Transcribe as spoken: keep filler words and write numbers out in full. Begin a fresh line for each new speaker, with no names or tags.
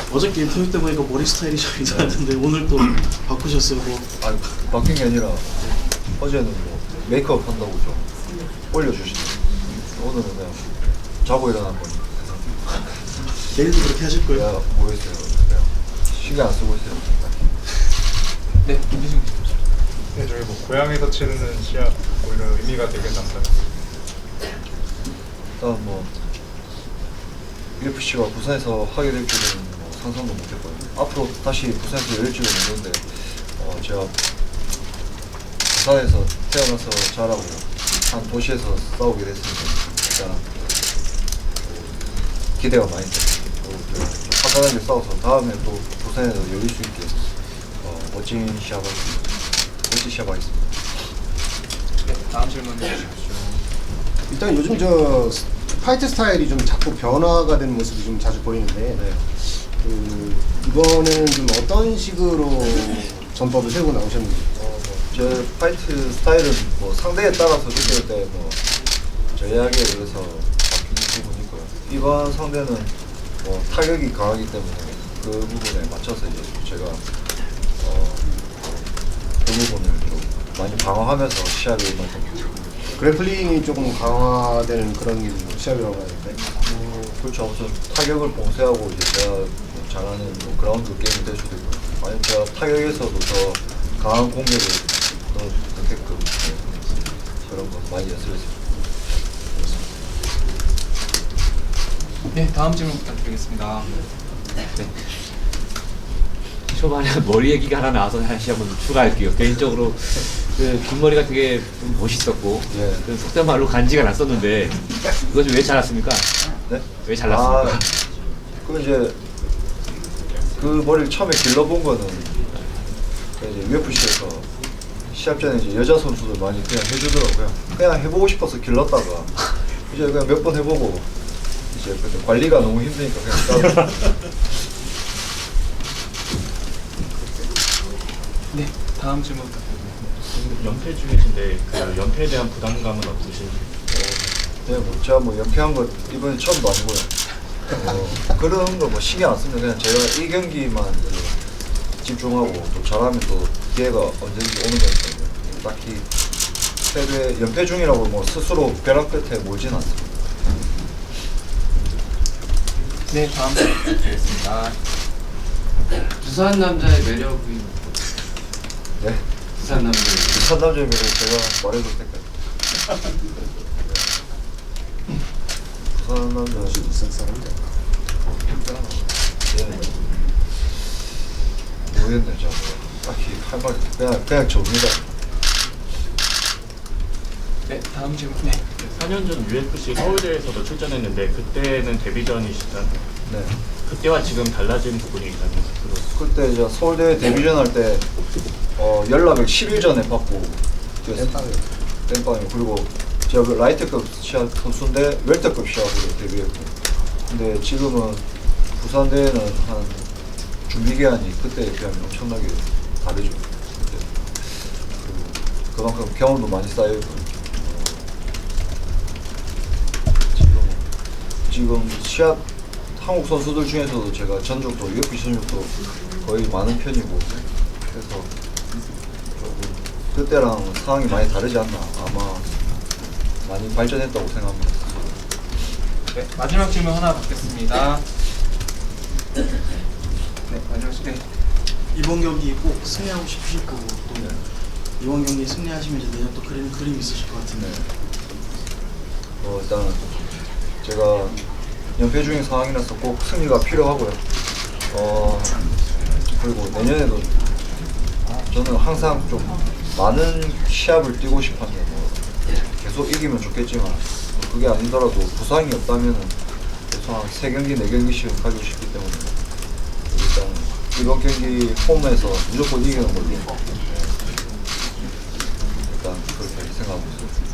어저께 인터뷰 때 보니까 머리 스타일이 좀 이상했는데 오늘 또 바꾸셨어요. 뭐.
아 바뀐 게 아니라 어제는 뭐 메이크업 한다고 좀 올려주시더라고요. 오늘은 그냥 자고 일어난 거니까.
내일도 그렇게 하실 거예요?
내가 모르겠어요. 그냥 신경 안 쓰고 있어요.
네, 김지승 씨.
네, 저희 뭐 고향에서 치르는 시합 오히려 의미가 되게 남다릅니다.
일단 뭐 유에프씨가 부산에서 하게 될 줄은 뭐 상상도 못했거든요. 앞으로 다시 부산에서 열릴 줄은 모르는데 어, 제가 부산에서 태어나서 자라고 한 도시에서 싸우게 됐으니까 일단 기대가 많이 돼요. 또 화끈하게 싸워서 다음에 또 부산에서 열릴 수 있게 어, 멋진 시합하겠습니다. 멋진 시합하겠습니다.
네, 다음 질문 해주십시오.
일단 요즘 저 파이트 스타일이 좀 자꾸 변화가 되는 모습이 좀 자주 보이는데
네.
그 이번에는 좀 어떤 식으로 전법을 세우고 나오셨는지.
어, 뭐, 제 파이트 스타일은 뭐 상대에 따라서 느낄 때뭐 전략에 의해서 바뀌는 부분이 있고요. 이번 상대는 뭐 타격이 강하기 때문에 그 부분에 맞춰서 이제 제가 어, 그 부분을 좀 많이 방어하면서 시합에 임했던
그래플링이 조금 강화되는 그런 게 시합이라고 하는데.
뭐 그렇죠. 아무튼 타격을 봉쇄하고 이제 제가 뭐 잘하는 뭐 그라운드 게임이 될 수도 있고 아니면 제가 타격에서도 더 강한 공격을 더 넣게끔 네, 그런 거 많이 연습했습니다.
네, 다음 질문 부탁드리겠습니다.
네. 초반에 머리 얘기가 하나 나와서 다시 한번 추가할게요. 개인적으로 그 긴 머리가 되게 좀 멋있었고
예.
그 속된 말로 간지가 났었는데 그거 좀 왜 잘랐습니까?
네?
왜 잘랐습니까?
아, 그 이제 그 머리를 처음에 길러본 거는 그 이제 유에프씨에서 시합 전에 이제 여자 선수들 많이 그냥 해주더라고요. 그냥 해보고 싶어서 길렀다가 이제 그냥 몇 번 해보고 이제 근데 관리가 너무 힘드니까 그냥 따로.
네, 다음 질문 부탁드립니다.
연패 중이신데 그 연패에 대한 부담감은 없으신지?
네, 뭐 제가 뭐 연패한 거 이번에 처음도 아니고요. 어, 그런 거 뭐 신경 안 씁니다. 그냥 제가 이 경기만 집중하고 또 잘하면 또 기회가 언제든지 오는 거니까요. 딱히 패배, 연패 중이라고 뭐 스스로 벼락 끝에 몰진 않습니다.
네, 다음 질문 부탁드리겠습니다.
부산 남자의 매력이
네?
부산 남자
부산 남자의 매력 제가 말해도 될까요? 부산 남자
역시 부산 사람들.
예. 모르겠네, 제가 뭐 딱히 할 말 그냥 그냥 접니다.
네, 다음 질문. 네.
사 년 전 유에프씨 서울대에서도 출전했는데 그때는 데뷔전이시잖아요.
네.
그때와 지금 달라진 부분이 있다면 스스로
그때 이제 서울대 데뷔전 할 때 어, 연락을 십 일 전에 받고 뛰었어요.
땜빵이요.
땜빵이요. 그리고 제가 그 라이트급 시합 선수인데 웰터급 시합으로 데뷔했고 근데 지금은 부산대회는 한 준비 기간이 그때에 비하면 엄청나게 다르죠. 그때. 그리고 그만큼 경험도 많이 쌓여있고 어, 지금 지금 시합 한국 선수들 중에서도 제가 전적도 유에프씨 전적도 거의 많은 편이고 그래서 조금 그때랑 상황이 많이 다르지 않나 아마 많이 발전했다고 생각합니다.
네, 마지막 질문 하나 받겠습니다. 네, 마지막 질문. 네.
이번 경기 꼭 승리하고 싶으실 거고 또 이번 경기 승리하시면 이제 내년 또 그리는 그림 있으실 것 같은데.
어, 일단 제가 연패 중인 상황이라서 꼭 승리가 필요하고요. 어, 그리고 내년에도 저는 항상 좀 많은 시합을 뛰고 싶었는데 뭐 계속 이기면 좋겠지만 뭐 그게 아니더라도 부상이 없다면 계속 한 세 경기, 네 경기씩 가지고 싶기 때문에 일단 이번 경기 홈에서 무조건 이기는 걸로 네. 일단 그렇게 생각하고 있습니다.